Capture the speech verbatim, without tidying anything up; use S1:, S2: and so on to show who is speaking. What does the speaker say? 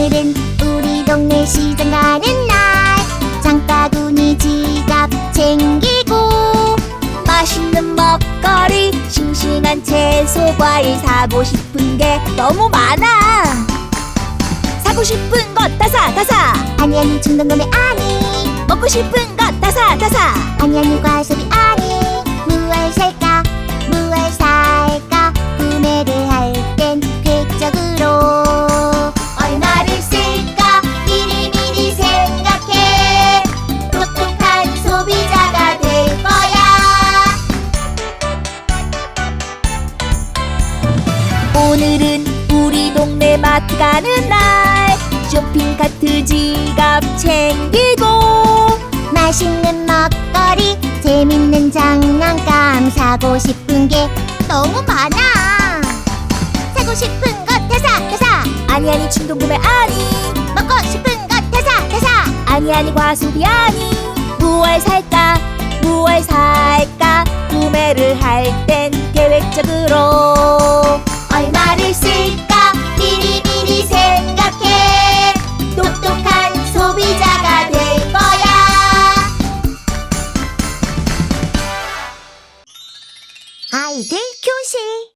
S1: 오늘은 우리 동네 시장 가는 날. 장바구니 지갑 챙기고
S2: 맛있는 먹거리, 싱싱한 채소, 과일 사고 싶은 게 너무 많아. 사고 싶은 것 다 사, 다 사.
S1: 아니 아니 충동구매 아니.
S2: 먹고 싶은 것 다 사, 다 사.
S1: 아니 아니 과소비 아니. 무얼 살까 무얼 살까 구매를 할 땐 계획적으로 얼마를 쓸까 미리미리 생각해. 똑똑한 소비자가 될 거야.
S2: 오늘은 우리 동네 마트 가는 날. 쇼핑카트 지갑 챙기고
S1: 맛있는 먹거리 재밌는 장난감 사고 싶은 게 너무 많아. 사고 싶은 것 다 사, 다 사.
S2: 아니 아니 충동구매 아니.
S1: 먹고 싶은 것 다 사, 다 사.
S2: 아니 아니 과소비 아니. 무얼 살까 무얼 살까 구매를 할 땐 계획적으로
S1: 얼마를 쓸까 미리미리 생각해. 똑똑한 소비자가 될 거야. 아이들 교실.